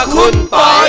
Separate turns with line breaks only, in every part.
คุณปอย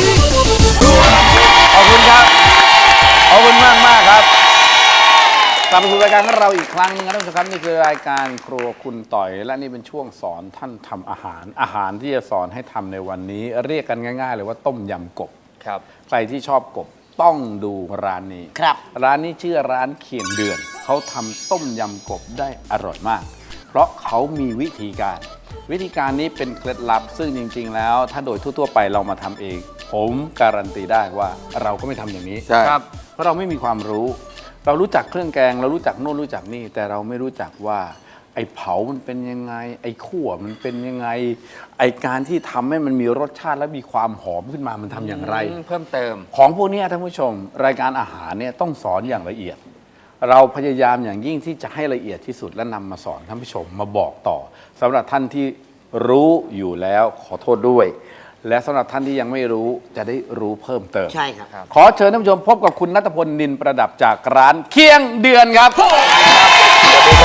ขอบคุณครับขอบคุณมากครับกลับมาสู่รายการของเราอีกครั้งนึงนะท่านผู้ชมครับนี่คือรายการครัวคุณต่อยและนี่เป็นช่วงสอนท่านทำอาหารที่จะสอนให้ทำในวันนี้เรียกกันง่ายๆเลยว่าต้มยำกบ
ครับ
ใครที่ชอบกบต้องดูร้านนี้
ครับ
ร้านนี้ชื่อร้านเคียงเดือนเขาทำต้มยำกบได้อร่อยมากเพราะเขามีวิธีการนี้เป็นเคล็ดลับซึ่งจริงๆแล้วถ้าโดยทั่วๆไปเรามาทำเองผมการันตีได้ว่าเราก็ไม่ทำอย่างนี้
ใช่ครับ
เพราะเราไม่มีความรู้เรารู้จักเครื่องแกงเรารู้จักโน่นรู้จักนี่แต่เราไม่รู้จักว่าไอ้เผามันเป็นยังไงไอ้คั่วมันเป็นยังไงไอ้การที่ทำให้มันมีรสชาติและมีความหอมขึ้นมามันทำอย่างไร
เพิ่มเติม
ของพวกนี้ท่านผู้ชมรายการอาหารเนี่ยต้องสอนอย่างละเอียด เราพยายามอย่างยิ่งที่จะให้ละเอียดที่สุดและนำมาสอนท่านผู้ชมมาบอกต่อสำหรับท่านที่รู้อยู่แล้วขอโทษด้วย และสำหรับท่านที่ยังไม่รู้จะได้รู้เพิ่มเติม
ใช่ครับ
ขอเชิญท่านผู้ชมพบกับคุณณัฐพลนินประดับจากร้านเคียงเดือนครับสวัสดี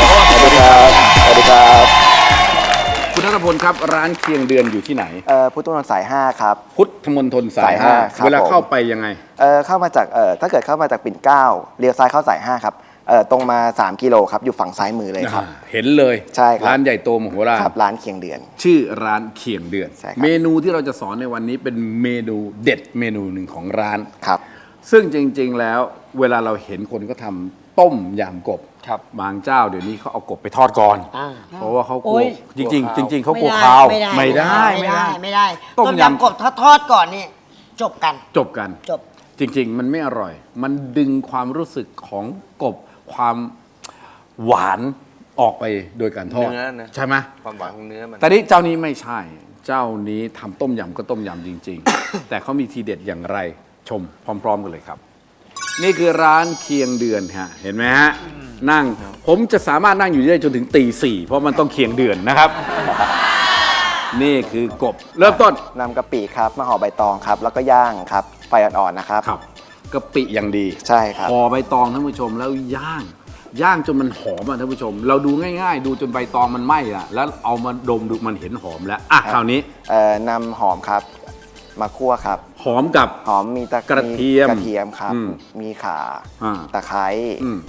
ครับคุณณัฐพลครับร้านเคียงเดือนอยู่ที่ไหน
พุทธมณฑลสาย 5 ครับ
พุทธมณฑลสายห้า
ครับ
เวลาเข้าไปยังไง
เข้ามาจากถ้าเกิดเข้ามาจากปิ่นเกล้าเลี้ยวซ้ายเข้าสาย 5 ครับตรงมา3 กิโลครับอยู่ฝั่งซ้ายมือเลยครับ
เห็นเลย
ใช่ครับ
ร้านใหญ่โตมโหฬาร
ครับร้านเคียงเดือน
ชื่อร้านเคียงเดือน
ใช่ครับ
เมนูที่เราจะสอนในวันนี้เป็นเมนูเด็ดเมนูหนึ่งของร้าน
ครับ
ซึ่งจริงๆแล้วเวลาเราเห็นคนก็ทำต้มยำกบ
ครับ
บางเจ้าเดี๋ยวนี้เขาเอากบไปทอดก่อน เพราะว่าเขากลัว
โอ้ย
จริงๆจริงๆเขากลัว
ไม่
คาว
ไม่ได้
ต้
ต้
ม
ม
ยำ
ยำกบถ้าทอดก่อนนี่จบกัน
จบกัน
จบ
จริงๆ มันไม่อร่อย มันดึงความรู้สึกของกบความหวานออกไปโดยการทอด
เนื้อนะ
ใช่ไหม
ความหวานของเนื้อมัน
แต่นี้เจ้านี้ไม่ใช่ เจ้านี้ทำต้มยำก็ต้มยำจริง ๆ แต่เขามีทีเด็ดอย่างไรชมพร้อมๆกันเลยครับ นี่คือร้านเคียงเดือนฮะเห็นไหมฮะนั่งผมจะสามารถนั่งอยู่ได้จนถึงตี 4เพราะมันต้องเคียงเดือนนะครับ นี่คือกบเริ่มต้น
นำกะปิครับมาห่อใบตองครับแล้วก็ย่างครับไฟอ่อนๆนะครับ
ครับกะปิอย่างดี
ใช่ครับ
ห่อใบตองท่านผู้ชมแล้วย่างจนมันหอมอ่ะท่านผู้ชม เราดูง่ายๆ ดูจนใบตองมันไหม้ละแล้วเอามาดมดูมันเห็นหอมแล้วอ่ะคราวนี้
นำหอมครับมาคั่วครับ
หอมกับ
หอมมี
กระเทียม
ครับมีข่า
อ่า
ตะไคร้
อืม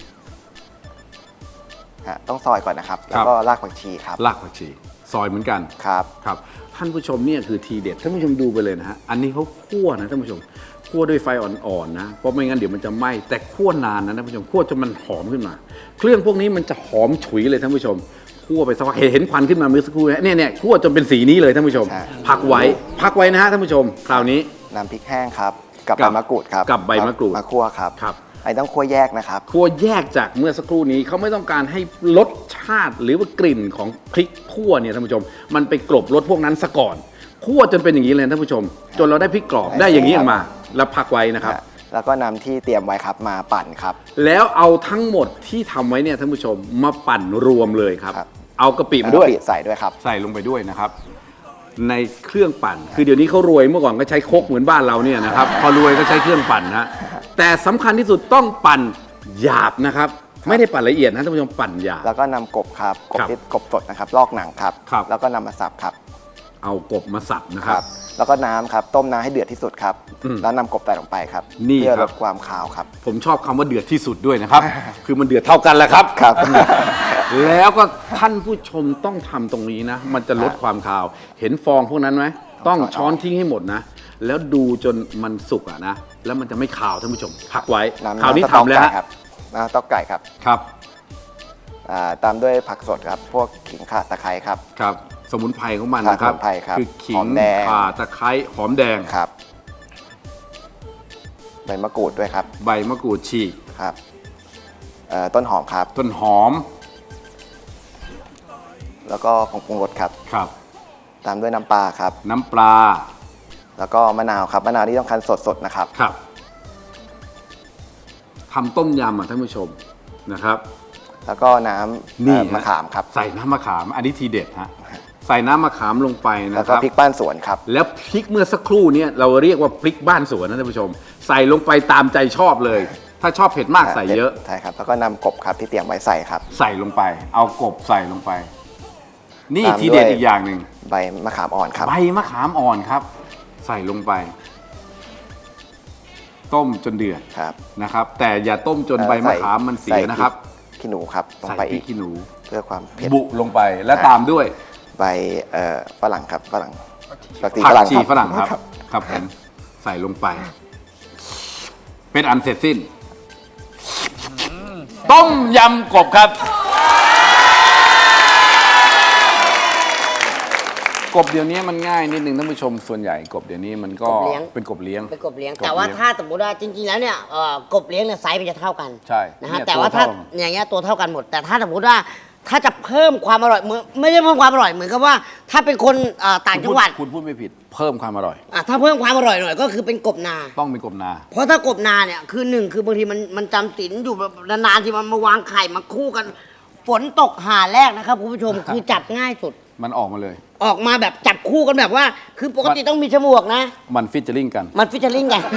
ต้องซอยก่อนนะครับแล้วก็รากผักชีครับ
รากผักชีซอยเหมือนกัน
ครับ
ครับท่านผู้ชมเนี่ยคือทีเด็ดท่านผู้ชมดูไปเลยนะฮะอันนี้เขาคั่วนะท่านผู้ชมคั่วด้วยไฟอ่อนๆนะเพราะไม่งั้นเดี๋ยวมันจะไหม้แต่คั่วนานนะท่านผู้ชมคั่วจนมันหอมขึ้นมา เครื่องพวกนี้มันจะหอมฉุยเลยท่านผู้ชมคั่วไปสักพักเห็นควันขึ้นมาเมื่อสักครู่เนี่ยคั่วจนเป็นสีนี้เลยท่านผู้ชมพักไว้นะฮะท่านผู้ชมคราวนี้
นำพริกแห้งครับกับใบมะกรูดครับ
กับใบมะกรูด
มาคั่วครับไอ้ต้องคั่วแยกนะครับ
คั่วแยกจากเมื่อสักครู่นี้เขาไม่ต้องการให้รสชาติหรือว่ากลิ่นของพริกคั่วเนี่ยท่านผู้ชมมันไปกลบรสพวกนั้นซะก่อนคั่วจนเป็นอย่างนี้เลยท่านผู้ชมจนเราได้พริกกรอบได้อย่างนี้ออกมาแล้วพักไว้นะครับ
แล้วก็นำที่เตรียมไว้ครับมาปั่นครับ
แล้วเอาทั้งหมดที่ทำไว้เนี่ยท่านผู้ชมมาปั่นรวมเลยครับเอากะปิมาด้วย
ใส่ด้วยครับ
ใส่ลงไปด้วยนะครับในเครื่องปั่นคือเดี๋ยวนี้เขารวยเมื่อก่อนก็ใช้ครกเหมือนบ้านเราเนี่ยนะครับพอรวยก็ใช้เครื่องปั่นนะแต่สำคัญที่สุดต้องปั่นหยาบนะครับไม่ได้ปั่นละเอียดนะท่านผู้ชมปั่นหยาบ
แล้วก็นำกบครับกบสดนะครับลอกหนังครับแล้วก็นำมาสับครับ
เอากบมาสับนะครับ
แล้วก็น้ำครับต้มน้ำให้เดือดที่สุดครับแล้วนำกบใส่ลงไปครับเพื่อลดความคาวครับ
ผมชอบคำว่าเดือดที่สุดด้วยนะครับ คือมันเดือดเท่ากันแหละครับ แล้วก็ท่านผู้ชมต้องทำตรงนี้นะมันจะลดความคาวเห็นฟองพวกนั้นไหมต้องช้อนทิ้งให้หมดนะแล้วดูจนมันสุกอะนะแล้วมันจะไม่คาวท่านผู้ชมพักไว้คราวนี้ทำแล้วฮะ
น้ำต๊อกไก่ครับ
ครับ
ตามด้วยผักสดครับพวกขิงข่าตะไคร้ครับ
ครับสมุนไพรของมันนะครับคือขิงข่าตะไคร้หอมแดง
ครับใบมะกรูดด้วยครับ
ใบมะกรูดฉีก
ครับต้นหอมครับ
ต้นหอม
แล้วก็ผงปรุงรสครับ
ครับ
ตามด้วยน้ำปลาครับ
น้ำปลา
แล้วก็มะนาวครับมะนาวที่ต้องคั้นสดๆนะครับ
ครับทำต้มยำอ่ะท่านผู้ชมนะครับ
แล้วก็น้ำมะขามครับ
ใส่น้ำมะขามอันนี้ทีเด็ดฮะใส่น้ำมะขามลงไปนะครับ
แล้วก็พริกบ้านสวนครับ
แล้วพริกเมื่อสักครู่นี้เราเรียกว่าพริกบ้านสวนนะท่านผู้ชมใส่ลงไปตามใจชอบเลยถ้าชอบเผ็ดมากใส่เยอะ
ใช่ครับแล้วก็นำกบครับที่เตรียมไว้ใส่ครับ
ใส่ลงไปเอากบใส่ลงไปนี่ทีเด็ดอีกอย่างหนึ่ง
ใบมะขามอ่อนครับ
ใบมะขามอ่อนครับใส่ลงไป ต้มจนเดือด
ครับ
นะครับ แต่อย่าต้มจนใบมะขามมันเสียนะครับ
ใส่พริกขี้หนูครับลง
ใส่
ไป
พริ
อี
ก
ก
ขี้หนู
เพื่อความเผ็ด
บุลงไปและตามด้วย
ใบฝรั่งครับฝรั่งผักชี
ผั
ฝ
ก
รั่ง
ชี
ครับ
ฝรั่งครับครับผมใส่ลงไป เป็นอันเสร็จสิ้น ต้มยำกบครับ กบเดี๋ยวนี้มันง่ายนิดนึงท่านผู้ชมส่วนใหญ่กบเดี๋ยวนี้มันก็
กบเลี้ยง
เป็นกบเลี้ยง
เป็นกบเลี้ยง
กบ
แต่ว่า
เลี้ยง
ถ้าสมมติว่าจริงๆแล้วเนี่ยกบเลี้ยงเนี่ยไซส์มันจะเท่ากัน
ใช่
นะฮะ
เนี่ย
แต่ว่าถ้า
ตัวเท่า
อย่างเงี้ยตัวเท่ากันหมด แต่ถ้าสมมติว่าถ้าจะเพิ่มความอร่อยเหมือนไม่ได้เพิ่มความอร่อยเหมือนกับว่า ถ้าเป็นคนต่างจังหวัด
คุณพูดไม่ผิดเพิ่มความอร่อย
ถ้าเพิ่มความอร่อยหน่อยก็คือเป็นกบนา
ต้องเป็นกบนา
เพราะถ้ากบนาเนี่ยคือหนึ่งคือบางทีมันจำศีลอยู่แบบนานๆที่มันมาวางไข่มาคู่กัน ฝนตกหาแรกนะครับคุณผู้ชมคือจับง่ายสุด
มันออกมาเลย
ออกมาแบบจับคู่กันแบบว่า คือปกติต้องมีฉมวกนะ
มันฟิชเจอริงกัน
มันฟิชเชอร์ลิงกัน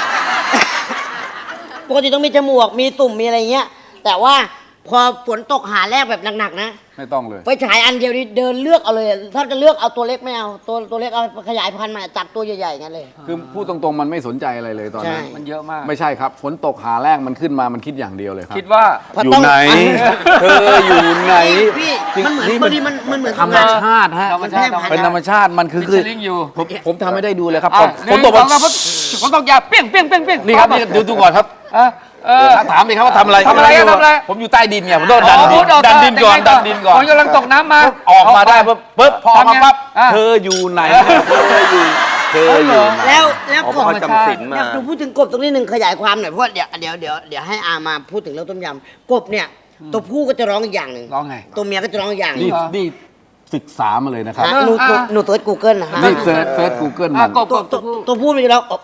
ปกติต้องมีจมูก มีตุ่ม มีอะไรเงี้ย แต่ว่าพอฝนตกหาแรกแบบหนักๆนะ
ไม่ต้องเลย
ไฟฉายอันเดียวนี่เดินเลือกเอาเลย ถ้าจะเลือกเอาตัวเล็กไม่เอา ตัวเล็กเอาขยายพันธุ์มาจับตัวใหญ่ๆงั้นเลย
คือพูดตรงๆมันไม่สนใจอะไรเลยตอนนั้น
ใช่
มันเยอะมาก
ไม่ใช่ครับฝนตกหาแรกมันขึ้นมามันคิดอย่างเดียวเลยครับ
คิดว่า
พอ
อยู่
ต้อง
ไหน เธออยู่ไหน
พี่
จริง
มันเหมือน
นี่
บางทีมันเหมือน
ธรรมชาติฮะ
ธรรมชาติ
เป็นธรรมชาติมันคือ
ฟิชเชอร์ลิงอยู่
ผมทำไม่ได้ดูเลยครับ
อ่ะ
ฝนตก
หนึ่งสองสามฝนตกอย่าเปี้ยงเปี้ยงเปี้ยงเปี้ยง
นี่ครับนี่ดูก่อนครับ ถามดิครับว่าทำอะไร
ทำอะไรอะทำอะไร
ผมอยู่ใต้ดินไงผมต้องดันดิน
อ๋อ
ดันดินก่อนดันดินก่อน
ฝนกำลังตกน้ำมา
ออกมาได้ปุ๊บพอออกมาปั๊บ
อ่ะ
เธออยู่ไหนเธออยู่ไหน
แล้วกบ
จำศีลมา
อยากดูพูดถึงกบตรงนี้หนึ่งขยายความหน่อยเพราะว่าเดี๋ยวให้อามาพูดถึงเรื่องต้มยำกบเนี่ยตัวผู้ก็จะร้องอีกอย่างหนึ่ง
ร้องไง
ตัวเมียก็จะร้องอีกอย่างหนึ่
นี่
ง
นี่ศึกษามาเลยนะครับ
ฮะหนูเซิร์ช Google นะฮะ
นี่เซิร์ช Google มัน
กบ
ตัวผู้มันจะร้อง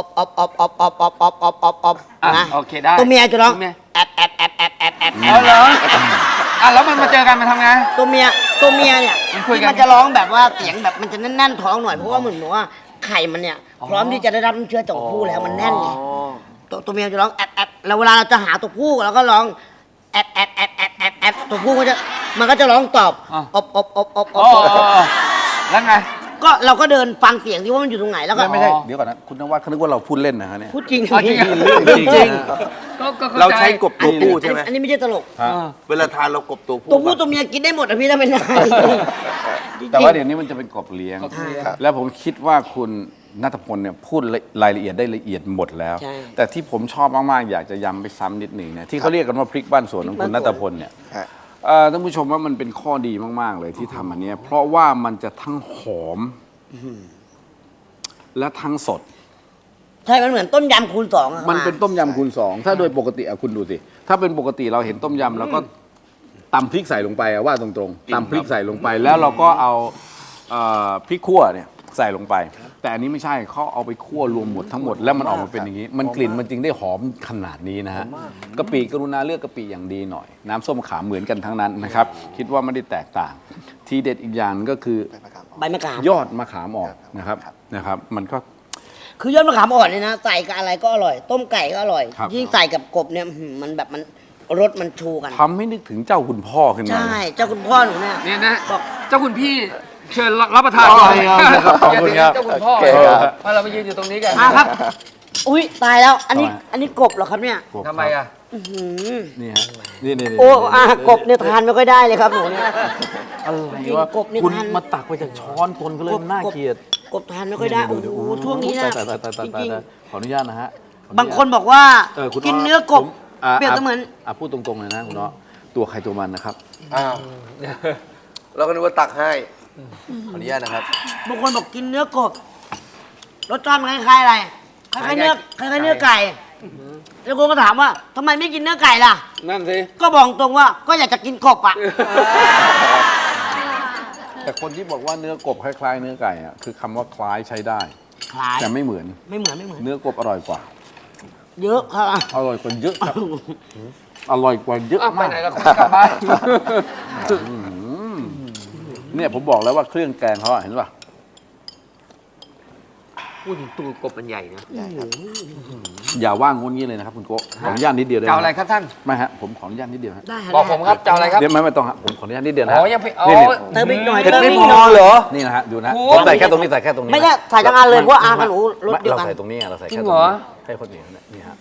อบนะ
โอเคได้
ตัวเมียจะร้อง
ตัวเมีย
แอบ
เอาเหรอแล้วมันมาเจอกันมาทำไง
ตัวเมียเนี่ย
มันคุยกัน
ที่มันจะร้องแบบว่าเสียงแบบมันจะแน่นๆท้องหน่อยเพราะว่าเหมือนว่าไข่มันเนี่ยพร้อมที่จะได้รับน้ำเชื้อจากผู้แล้วมันแน่นไงตัวเมียจะร้องแอบแล้วเวลาเราจะหาตัวผู้เราก็ร้องแอบตัวผู้ก็จะมันก็จะร้องตอบอบ
แล้วไง
ก็เราก็เดินฟังเสียงที่ว่ามันอยู่ตรงไหนแล้วก็
ไม่ใช่เดี๋ยวก่อนนะคุณนวัดเขานึกว่าเราพูดเล่นนะฮะเนี่ย
พูดจริง
อ๋อจริงเหรอ
เรื่องจริง
ก็เข้
เราใช้กบตัวผู้ใช่ไหม
อันนี้ไม่ใช่ตลก
ฮะ
เวลาทานเรากบตัวผู้
ตัวผู้ตัวเมียกินได้หมดอะพี่ถ้าเป็นได้จริงๆ
แต่ว่าเดี๋ยวนี้มันจะเป็นกบเลี้ยง
กบเลี้ยง
แล้วผมคิดว่าคุณณัฐพลเนี่ยพูดรายละเอียดได้ละเอียดหมดแล้ว
ใช่
แต่ที่ผมชอบมากๆอยากจะย้ำไปซ้ำนิดหนึ่งเนี่ยที่เขาเรียกกันว่าพริกบ้านสวนของคุณณัฐพลเนี่ย
ฮะ
ท่านผู้ชมว่ามันเป็นข้อดีมากๆเลยที่ทำอันเนี้ยเพราะว่ามันจะทั้งหอมและทั้งสด
ใช่มันเหมือนต้มยำคูณสองอะ
มันเป็นต้มยำคูณสองถ้าโดยปกติอะคุณดูสิถ้าเป็นปกติเราเห็นต้มยำแล้วก็ตำพริกใส่ลงไปอะว่าตรงๆตำพริกใส่ลงไปแล้วเราก็เอาพริกขั่วเนี่ยใส่ลงไป แต่อันนี้ไม่ใช่เขาเอาไปคั่วรวมหมดทั้งหมดแล้วมันออกมาเป็นอย่างนี้ มันกลิ่นมันจึงได้หอมขนาดนี้นะฮะกะปิกรุณาเลือกกะปิอย่างดีหน่อย น้ำส้มขามเหมือนกันทั้งนั้นนะครับคิดว่าไม่ได้แตกต่าง ทีเด็ดอีกอย่างก็คือ
ใบมะขาม
ยอดมะขามออกนะครับมันก็
คือยอดมะขามอ่อนเนี่ยนะใส่กับอะไรก็อร่อย ต้มไก่ก็อร่อย
ครับ
ยิ่งใส่กับกบเนี่ยมันแบบมันรสมันชูกัน
ทำให้นึกถึงเจ้าคุณพ่อขึ้นมา
ใช่เจ้าคุณพ่อหนูเนี่ย
เนี่ยนะ
บอก
เจ้าคุณพี่เชิญรับประทาน
อ๋อ
เลย
ครับขอบคุณครับ
เจ้าคุณพ่อ
โอเคครับ
มาเราไปยืนอยู่ตรงนี้กัน
ครับ อุ้ยตายแล้ว อันนี้
ทำไม
อันนี้กบเหรอครับเนี่ย
ทำไมอ่ะ
อื้อหือ
นี่ฮะนี่
โอ้กบเนี่ยทานไม่ค่อยได้เลยครับหนูเนี่ย
อะไร
จริง
วะ
กบนี่
คุณ
ทาน
มาตักไปจากช้อนคนเขาเลยมันน่าเกลียด
กบทานไม่ค่อยได้โอ้โหช่วงนี้นะ
ตาย
จริง
ขออนุญาตนะฮะ
ๆบางคนบอกว่า
คุณ
กินเนื้อกบ
ผม
เปรียบเสมือน
พูดตรงๆเลยนะคุณเนาะตัวใครตัวมันนะครับ
อ้าวเราก็นึกว่าตักให้ขออนุญาตนะครับ
บางคนบอกกินเนื้อกบรสชาติมันคล้ายๆอะไรคล้ายๆเนื้อไก่แล้วคนก็ถามว่าทำไมไม่กินเนื้อไก่ล่ะ
นั่นสิ
ก็บอกตรงว่าก็อยากจะกินกบอ่ะ
แต่คนที่บอกว่าเนื้อกบคล้ายๆเนื้อไก่อะคือคำว่าคล้ายใช้ได้
คล้าย
แต่ไม่เหมือน
ไม่เหมือน
เนื้อกบอร่อยกว่า
เยอะค่ะ
อร่อยกว่าเยอะครับอร่อยกว่าเยอะ
อ้าวไป
มาก
ไหนล่ะคุณกลับบ้าน
เนี่ยผมบอกแล้วว่าเครื่องแกงเขาอะเห็นป่ะ
พูดถึงตัวกบมันใหญ่นะ
ใหญ่ครับ
อย่าว่างงนงี้เลยนะครับคุณโก้ขออนุญาตนิดเดียวได้
จะ
ไหม
เอาอะไรครับท่าน
ไม่ฮะผมขออนุญาตนิดเดียวฮะ
ได้ฮะ
บอกผมครับจะเอาอะไรครับ
เดี๋ยวไม่ต้องฮะผมขออนุญาตนิดเดียวนะ
อ๋
ฮะ
อยังไม่อ๋อ
นี่
เติมอีกหน่อย
เผ็ด
เติม
ไม่
อีก
พ
หน่
อ
อย
เหรอนี่นะฮะดูนะ
โอ้
ผมใส่แค่ตรงนี้ใส่แค่ตรงนี้
ไม่ใช่ใส่ทั้งอันเลยเพราะว่าอากับหนูรสเดียว
เรา
กัน
ใส่ตรงนี้เราใส่
จริ
แค่
ง
ตร
เหรง อ
นี้ให้คนเดียวนี่ฮะ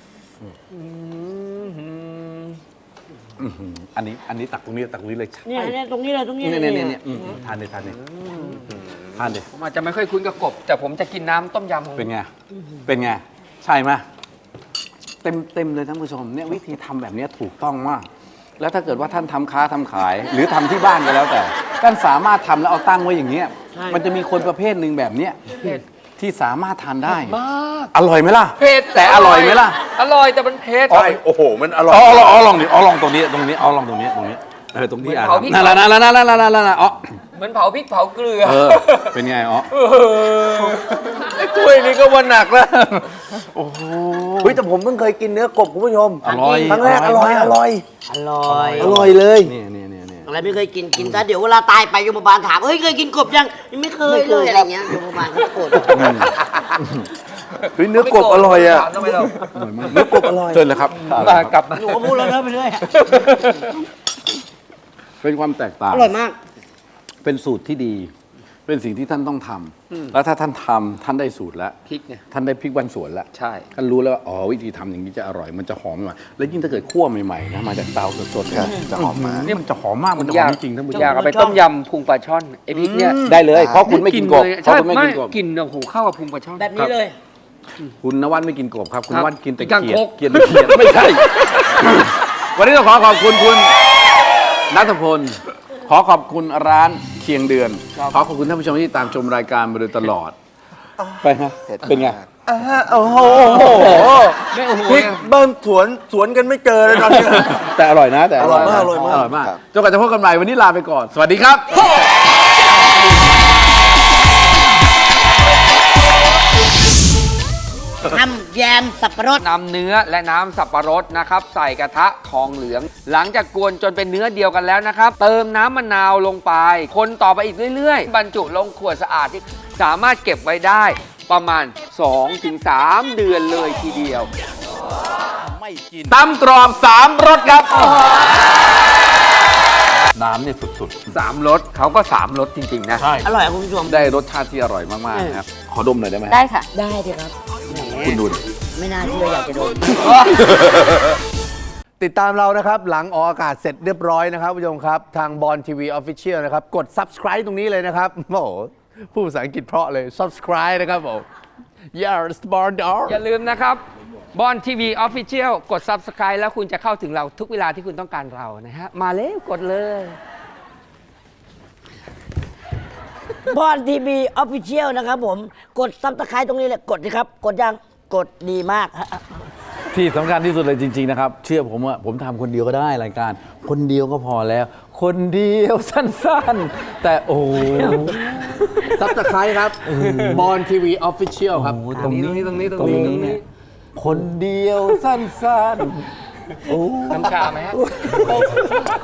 อันนี้ตักตรงนี้ตักตรงนี้เลย
เนี่ยตรงนี้เลยตรงนี้
นี่
เลย
นี่ทานเลยทานเลยทานเลย
ผมอาจจะไม่ค่อยคุ้นกับกบ แต่ผมจะกินน้ำต้มยำของ
เป็นไงเป็นไงใช่ไหมเต็มเลยท่านผู้ชมเนี่ยวิธีทำแบบนี้ถูกต้องมาก แล้วถ้าเกิดว่าท่านทำค้าทำขาย หรือทำที่บ้านก็แล้วแต่ท่านสามารถทำแล้วเอาตั้งไว้อย่างเงี้ยมันจะมีคนประเภทหนึ่งแบบเนี้ยที่สามารถทานได้
มาก
อร่อยไหมล่ะ
เผ็ด
แต่อร่อยไหมล่ะ
อร่อยแต่มันเผ็ด
ใช่โอ้โห มันอร่อย
ลองดิลองตรงนี้ตรงนี้ลองตรงนี้ตรงที่อ่ะ
เผาพริก
นั่นอ๋อ
เหมือนเผาพริกเผาเกลือ
เป็นไงอ๋อ
ถ้วยนี้ก็ว่าหนักแล้วโอ้โหเฮ้ยแต่ผมเพิ่งเคยกินเนื้อกบคุณผู้ชม
อร่อย
ครั้งแรกอร่อย
อร่อย
อร่อยเลย
นี่
อะไรไม่เคยกินซะเดี๋ยวเวลาตายไปโยมบาลถามเอ้ยเคยกินกบยังไม่เคยเลยอะไรเงี้ยโยมบาลเขาโกรธ
เฮ้ยเนื้อกบอร่อยอ่ะ
ทำไมเรา
เนื้อกบอร่อย
เชิญเลยครับ
กลับมา
หนูก็พูดแล้วเลิกไปเรื่อย
เป็นความแตกต่าง
อร่อยมาก
เป็นสูตรที่ดี เป็นสิ่งที่ท่านต้องทำแล้วถ้าท่านทำท่านได้สูตรแล้ว
พริกเนี่ย
ท่านได้พริกวันสวนแล้ว
ใช่
ท่านรู้แล้วว่าอ๋อวิธีทำอย่างนี้จะอร่อยมันจะหอมใหม่แล้วยิ่งถ้าเกิดคั่วใหม่ๆนะมาจากเตาสดๆ
ครับจะหอมมาก
นี่มันจะหอมมากมันจะหอมจริงๆท่านผู้ชม
อยากเอาไปต้มยำพุงปลาช่อนไอพริกเนี่ย
ได้เลยเพราะคุณไม่กินกบ
เลย
เพ
ใช่
ราะคุณไม่
ไม่
กินกบ
กินโอ้โหเข้ากับพุงปลาช่อน
แบบนี้เลย
คุณนวัดไม่กินกบครับ คุณ
ครั
น
บ
วัดกินแต่
กาง
เขียด
คก
เขียดไม่ใช่ วันนี้ต้องขอบคุณคุณณัฐพลขอขอบคุณร้านเคียงเดือน ขอขอบคุณท่านผู้ชมที่ตามชมรายการมาโดยตลอด ไปฮะเป็นไง
โอ้โห
ไม่โอ้โห
พริกเบิ้มสวนกันไม่เจอเลยตอนนี้
แต่อร่อยนะแต่
อร่อยมาก
อร่อยมากจนกว่าจะพบกันใหม่วันนี้ลาไปก่อน สวัสดีครับ
ทำแยมสับปะรด
นำเนื้อและน้ำสับปะรดนะครับ ใส่กระทะทองเหลือง หลังจากกวนจนเป็นเนื้อเดียวกันแล้วนะครับ เติมน้ำมะนาวลงไป คนต่อไปอีกเรื่อยๆ บรรจุลงขวดสะอาดที่สามารถเก็บไว้ได้ประมาณ 2-3 เดือนเลยทีเดียว
ตำกรอบ3รสครับ น้ำเนี่ยสุด
3 รสเขาก็ 3 รสจริง ๆ นะ
ๆ ใช่
อร่อยอะคุณผู้ชม
ได้รสชาติที่อร่อยมากๆนะครับ ขอดมหน่อยได้ไหม
ได้ค่ะ
ได้เลยครับแหม
คุณดูดิ
ไม่น่าเชื่ออยากจะโดน
ติดตามเรานะครับ หลังออกอากาศเสร็จเรียบร้อยนะครับผู้ชมครับ ทางบอลทีวีออฟฟิเชียลนะครับ กด subscribe ตรงนี้เลยนะครับ โอ้โหพูดภาษาอังกฤษเพราะเลย subscribe นะครับผม yes born
อย่าลืมนะครับบอลทีวีออฟฟิเชียลกด Subscribe แล้วคุณจะเข้าถึงเราทุกเวลาที่คุณต้องการเรานะฮะ มาเลยกดเลย
บอลทีวีออฟฟิเชียลนะครับผม กดซับสไครต์ตรงนี้เลยกดสิครับ กดยังกดดีมาก
ที่สำคัญที่สุดเลยจริง ๆ นะครับ เชื่อผมว่าผมทำคนเดียวก็ได้รายการ คนเดียวก็พอแล้ว คนเดียวสั้นๆ แต่โอ้โห
subscribe ครับบอลทีวีออฟฟิเชียลครับ
ตรงนี้เนี่ยคนเดียวสั้นๆ
น้ำชาไหมฮะ